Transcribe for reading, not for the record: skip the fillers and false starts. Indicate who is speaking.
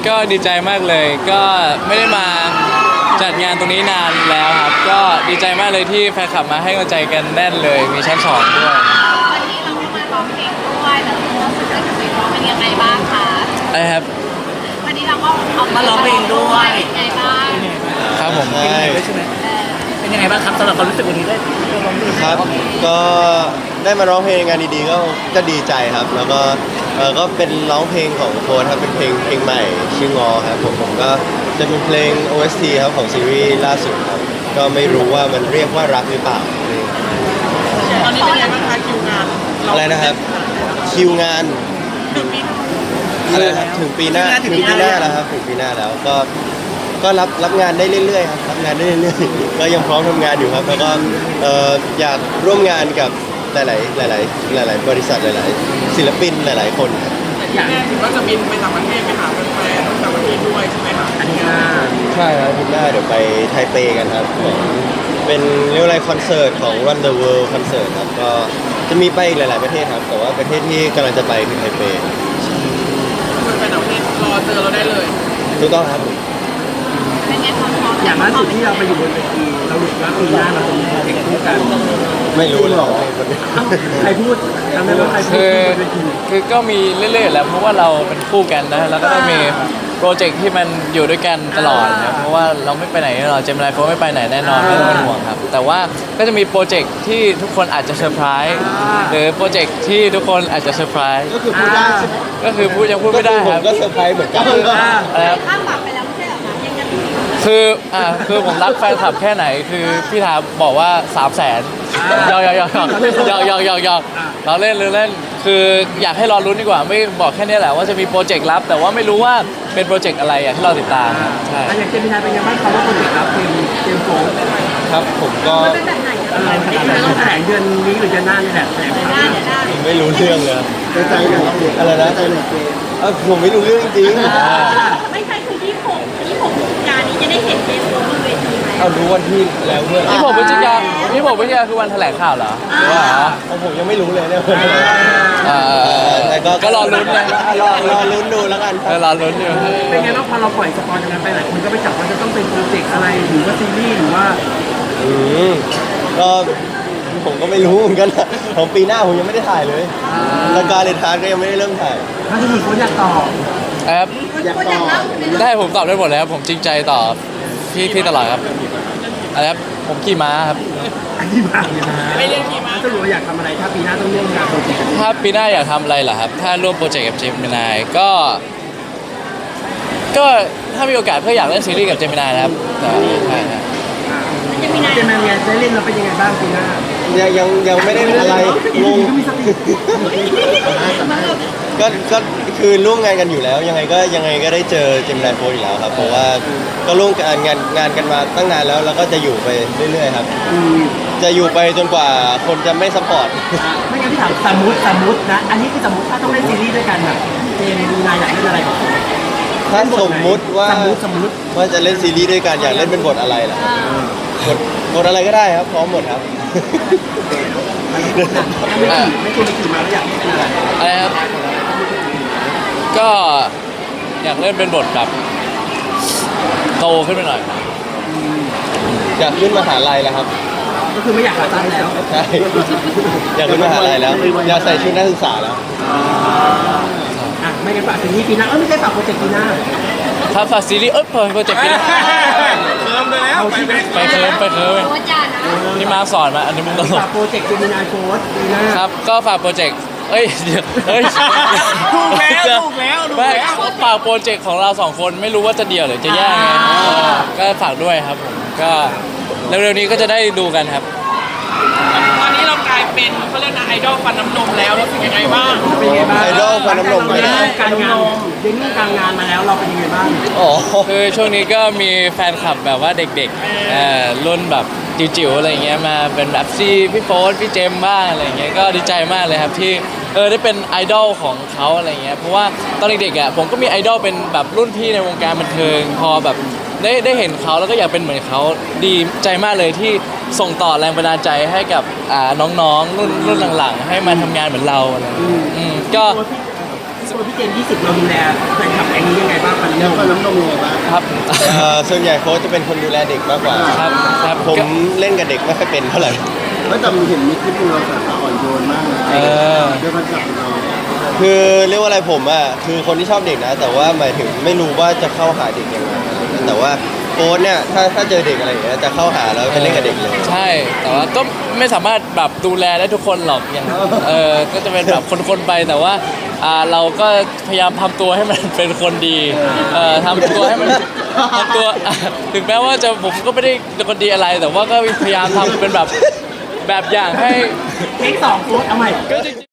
Speaker 1: ก็ดีใจมากเลยก็ไม่ได้มาจัดงานตรงนี้นานแล้วครับก็ดีใจมากเลยที่แฟนคลับมาให้กำลังใจกันแน่นเลยมีชั้นสองด้วย
Speaker 2: วันนี้เราก็มาร้องเพลงด้วยแต่รู้สึกว่าจะร้องเป็นยังไงบ้างคะ
Speaker 1: อะไรครับ
Speaker 2: วันนี้เราก็เอามาร้องเพลงด้วยเป็นยังไงบ้าง
Speaker 1: ครับผม
Speaker 3: ใช่
Speaker 4: เป็นยังไงบ้างครับสำหรับความรู้สึกวันนี้ได้ร้องเพลง
Speaker 3: ครับก็ได้มาร้องเพลงในงานดีๆก็ดีใจครับ แล้วก็ก็เป็นร้องเพลงของโฟนครับเป็นเพลงใหม่ชื่องอครับผมก็จะเป็นเพลง OST ครับของซีรีส์ล่าสุดครับก็ไม่รู้ว่ามันเรียกว่ารักหรือเปล่า
Speaker 4: ตอนนี้เป็นยังไงบ้างคะคิวงาน
Speaker 3: อะไรนะครับคิวงานอะไรครับถึงปีหน้าแล้วครับถึงปีหน้าแล้วก็รับงานได้เรื่อยๆครับรับงานได้เรื่อยๆก็ยังพร้อมทำงานอยู่ครับแล้วก็อยากร่วมงานกับหลายบริษัทหลายๆศิลปินหลายๆคน
Speaker 4: อยากถือว่าจะบินไปต่างประเทศไปหาแฟนๆต่างประเทศด้วยใช่ไหมครับอันนี้
Speaker 3: ใช่ครับปีหน้าเดี๋ยวไปไทเปกันครับเป็นเรียกว่าอะไรคอนเสิร์ตของ Run the World คอนเสิร์ตครับก็จะมีไปอีกหลายๆประเทศครับแต่ว่าประเทศที่กำลังจะไปคือไทเป
Speaker 4: ไปต่างประเทศรอเจอเราได้เลย
Speaker 3: ถูกต้องครับ
Speaker 4: อย่างล่าสุดที่เราไปอยู่บนเวทีเราหลุดว่าปีหน้าเราจะมีโปรเจกต์คู่กัน
Speaker 3: ไม่รู้หรอก
Speaker 4: ใครพูดทำไมว่าใครพูด
Speaker 1: คือก็มีเรื่อยๆแล้วเพราะว่าเราเป็นคู่กันนะแล้วก็ต้องมีโปรเจกต์ที่มันอยู่ด้วยกันตลอดนะเพราะว่าเราไม่ไปไหนเราเจมส์ไลฟ์โฟไม่ไปไหนแน่นอนไม่ต้องเป็นห่วงครับแต่ว่าก็จะมีโปรเจกต์ที่ทุกคนอาจจะเซอร์ไพรส์หรือโปรเจกต์ที่ทุกคนอาจจะเซอร์ไพรส์
Speaker 3: ก็คือพูดได้
Speaker 1: ก็คือยังพูดไม่ได้ครับ
Speaker 3: ก็เซอร์ไพรส์เหมือนกัน
Speaker 2: ข้ามบัตรไปแล้วไม่ใช่เหรอคะยังจะ
Speaker 1: คือผมรักแฟนคลับแค่ไหนคือพี่ถามบอกว่า300,000ยอกเราเล่นคืออยากให้รอลุ้นดีกว่าไม่บอกแค่นี้แหละว่าจะมีโปรเจกต์ลับแต่ว่าไม่รู้ว่าเป็นโปรเจกต์อะไรให้เราติดตามใช่
Speaker 4: อย่างเจมินายเป็นยังไงบ้างเขาว่าโปรเจกต์ลับเป็นเกมโฟน
Speaker 3: ครับผมก็
Speaker 2: เป็นแบบไหน
Speaker 4: อะไรต้องแถลงเดือนนี้หรือเดือนหน้านี่แหละ
Speaker 3: ไม่รู้เรื่องเลยใจอะไรนะผมไม่รู้เรื่องจริง
Speaker 2: ไม่ใช่คือ26การนี้จะได้เห็นเกมโฟนบนเวทีไหม
Speaker 3: เอารู้วันที่แล้วเพื่อน
Speaker 1: 26 พฤศจิกายนคือวันแถลงข่าวเหรอ
Speaker 3: ผมยังไม่รู้เลยเนี่ยแต่ก็
Speaker 1: รอลุ้นนะ
Speaker 3: รอลุ้นดูแล้วกัน
Speaker 1: รอลุ้นอยู่
Speaker 4: เป็นไงบ้างพอเราปล่อยสปอยล์กันไปหลายคนก็ไปจับว่าจะต้องเป็นโปรเจกต์อะไรหรือว่าซีรีส์หรือว่า
Speaker 3: ก็ผมก็ไม่รู้เหมือนกันของปีหน้าผมยังไม่ได้ถ่ายเลยแล้วการเรียนทานก็ยังไม่ได้เริ่มถ่าย
Speaker 4: ถ้าจะมีคนอยากตอบ
Speaker 1: ครับได้ผมตอบได้หมดเลยครับผมจริงใจต่อพี่ตลอดครับอะไรครับผมขี่ม้าครับ
Speaker 4: ขี่ม้าไม่เรียกขี่ม้าจะรู้ว่าอยากทำอะไรถ้าปีหน้าต้องร่วมงานโปรเจกต์
Speaker 1: ถ้าปีหน้าอยากทำอะไรเหรอครับถ้าร่วมโปรเจกต์กับเจมินายก็ถ้ามีโอกาสเพื่ออยากเล่นซีรีส์กับเจมินายนะครับใช่ครับ
Speaker 4: เจมินายได้เล่นเราเป็นยังไงบ้างปีหน้า
Speaker 3: ยังไม่ได้อะไรงงก็คือร่วมงานกันอยู่แล้วยังไงก็ได้เจอเจมินายโฟร์อยู่แล้วครับเพราะว่าก็ร่วมงานกันมาตั้งนานแล้วก็จะอยู่ไปเรื่อยๆครับจะอยู่ไปจนกว่าคนจะไม่ซัพพอร์ต
Speaker 4: ไม่งั้นพี่ถามสมมตินะอันนี้คือสมมติถ้าต้องเล่นซีรีส์ด้วยกันแบบเจมินายอยากเล่นอะไร
Speaker 3: ถ้าสมมุติว่าจะเล่นซีรีส์ด้วยกันอยากเล่นเป็นบทอะไรล่ะบทอะไรก็ได้ครับพร้อมหมดครับ
Speaker 4: ไม่ควรขี่ม้าอยากเล่นอะไร
Speaker 1: ครับก็อยากเล่นเป็นบทแบบโตขึ้นไปหน่อย
Speaker 3: อยากขึ้นมหาลัยแล้วครับ
Speaker 4: ก็คือไม่อยากขาสั้นแล้ว
Speaker 3: ใช่อยากขึ้นมหาลัยแล้วอยากใส่ชุดนักศึกษาแล้ว
Speaker 4: ไม่งั้นฝากซีรีส์ปีหน้าไม่ใช่ฝากโปรเจกต์ปีหน้า
Speaker 1: ถ้าฝากซีรีส์เปิดโปรเจกต์ปีหน้า
Speaker 4: เคิร์มไปแล้ว
Speaker 1: ไปเคิร์มนี่มาสอนมาอันนี้มึงตลก
Speaker 4: ฝากโปรเจกต์เจมินายโฟร์ปีหน้า
Speaker 1: ครับก็ฝากโปรเจกต์
Speaker 4: ถูกแล้ว
Speaker 1: ฝากโปรเจกต์ของเรา2คนไม่รู้ว่าจะเดี่ยวหรือจะแยกไงก็ฝากด้วยครับผมก็เร็วๆนี้ก็จะได้ดูกันครับ
Speaker 4: ตอนนี้เรากลายเป็นเขาเรียกนะไอดอลฟันน้ำนมแล้วรู้สึกยังไงบ้าง
Speaker 3: ไอดอลฟันน้ำนม
Speaker 4: การงานเด้งการงานมาแล้วเราเป็นยังไงบ้าง
Speaker 1: คือช่วงนี้ก็มีแฟนคลับแบบว่าเด็กๆรุ่นแบบจิ๋วๆอะไรเงี้ยมาเป็นแบบพี่โฟร์พี่เจมบ้างอะไรเงี้ยก็ดีใจมากเลยครับที่ได้เป็นไอดอลของเขาอะไรเงี้ยเพราะว่าตอนเด็กๆผมก็มีไอดอลเป็นแบบรุ่นพี่ในวงการบันเทิงพอแบบได้เห็นเขาแล้วก็อยากเป็นเหมือนเขาดีใจมากเลยที่ส่งต่อแรงบันดาลใจให้กับน้องๆรุ่นหลังๆให้มาทำงานเหมือนเราอะไรก็
Speaker 4: ตัวพี่เจมส์20เราดูแลแฟนคลับแก๊งนี้ยังไงบ้างฟันน้ำฟันน้ำนมยังไงบ้าง
Speaker 1: ครับ
Speaker 3: ส่วนใหญ่โค้ชจะเป็นคนดูแลเด็กมากกว่า
Speaker 1: ครับครับ
Speaker 3: ผม
Speaker 1: ก็
Speaker 3: เล่นกับเด็กไม่ค่อยเป็นเท่าไหร่
Speaker 5: ไม่แต่เห็นมีคลิปนึงเราสาวอ่อนโยนมากนะ
Speaker 1: เออ
Speaker 5: ด้วยพันจับเรา
Speaker 3: คือเรียกว่าอะไรผมอ่ะคือคนที่ชอบเด็กนะ แต่ว่าหมายถึงไม่รู้ว่าจะเข้าหาเด็กยังไงอะไรเงี้ยแต่ว่าโค้ชเนี่ยถ้าเจอเด็กอะไรอย่างเงี้ยจะเข้าหาแล้วไปเล่นกับเด็กเลย
Speaker 1: ใช่ แต่ว่าก็ไม่สามารถแบบดูแลได้ทุกคนหรอกอย่างก็จะเป็นแบบคนๆไปแต่ว่าเราก็พยายามทำตัวให้มันเป็นคนดีทำตัวให้มันทำตัวถึงแม้ว่าผมก็ไม่ได้เป็นคนดีอะไร แต่ว่าก็พยายามทำเป็นแบบอย่างให้
Speaker 4: เทค2โค้ดเอาใหม่
Speaker 1: ก็จริงๆ